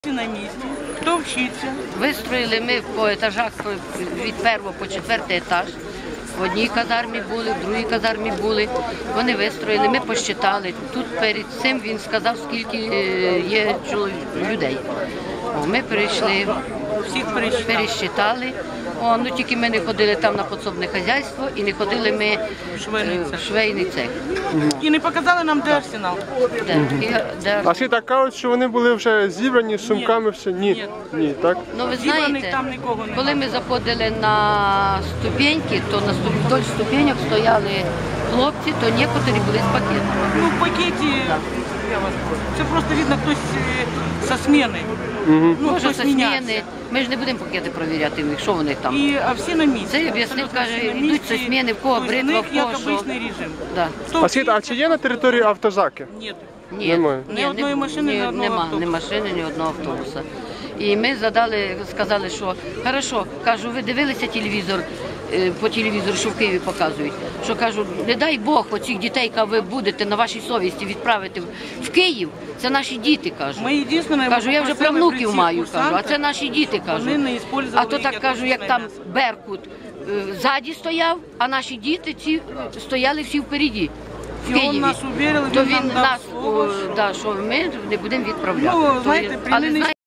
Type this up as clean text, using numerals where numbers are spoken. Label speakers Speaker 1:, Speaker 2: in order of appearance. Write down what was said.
Speaker 1: На місці. Хто вчиться?
Speaker 2: Вистроїли ми по етажах від 1 по 4 етаж. В одній казармі були, в другій казармі були. Вони вистроїли, ми посчитали. Тут перед цим він сказав, скільки є людей. Ми прийшли,
Speaker 1: Всіх
Speaker 2: пересчитали. Ну, тільки ми не ходили там на підсобне хазяйство і не ходили ми в швейний цех.
Speaker 1: І не показали нам, де арсенал.
Speaker 3: А всі так кажуть, що вони були вже зібрані з сумками, все? Ні. Ні, так?
Speaker 2: Ну, ви
Speaker 1: Зібраних
Speaker 2: знаєте,
Speaker 1: там нікого немає.
Speaker 2: коли ми заходили на ступеньки, то вдоль ступеньок стояли хлопці, то некоторі були з пакетами.
Speaker 1: Ну, в пакеті, я вас прошу. Це просто видно, хтось зі зміни. Ну,
Speaker 2: Може,
Speaker 1: хтось
Speaker 2: зі
Speaker 1: мінявся.
Speaker 2: зміни. Ми ж не будемо пакети перевіряти, що вони там.
Speaker 1: А всі на місці.
Speaker 2: Це об'яснив,
Speaker 1: Абсолютно
Speaker 2: каже,
Speaker 1: всі на
Speaker 2: йдуть
Speaker 1: місці.
Speaker 2: зі зміни, в кого
Speaker 1: Тобто
Speaker 2: бритва,
Speaker 1: в них
Speaker 2: в
Speaker 1: як
Speaker 2: кого що.
Speaker 1: обичний режим.
Speaker 2: Да.
Speaker 1: Хто
Speaker 3: А чи є на території автозаки?
Speaker 1: Ні.
Speaker 2: Ні,
Speaker 3: Немає.
Speaker 1: Ні одної машини, ні одного
Speaker 2: нема,
Speaker 1: автобуса.
Speaker 2: ні машини, ні одного автобуса. І ми сказали, що хорошо, кажу, ви дивилися телевізор, по телевізору, що в Києві показують, що кажу, не дай Бог оцих дітей, яка ви будете на вашій совісті відправити в Київ, це наші діти, кажу.
Speaker 1: Ми єдине,
Speaker 2: Кажу, я вже правнуків маю, кажу, а це наші діти, кажу.
Speaker 1: Вони не
Speaker 2: А то так кажу, як там Беркут ззаді стояв, а наші діти ці стояли всі впереді. В
Speaker 1: І він
Speaker 2: Києві.
Speaker 1: нас увірили,
Speaker 2: То
Speaker 1: він нам
Speaker 2: він
Speaker 1: дав
Speaker 2: нас,
Speaker 1: слово,
Speaker 2: що ми не будемо відправляти.
Speaker 1: Ну, знаєте,
Speaker 2: Але
Speaker 1: при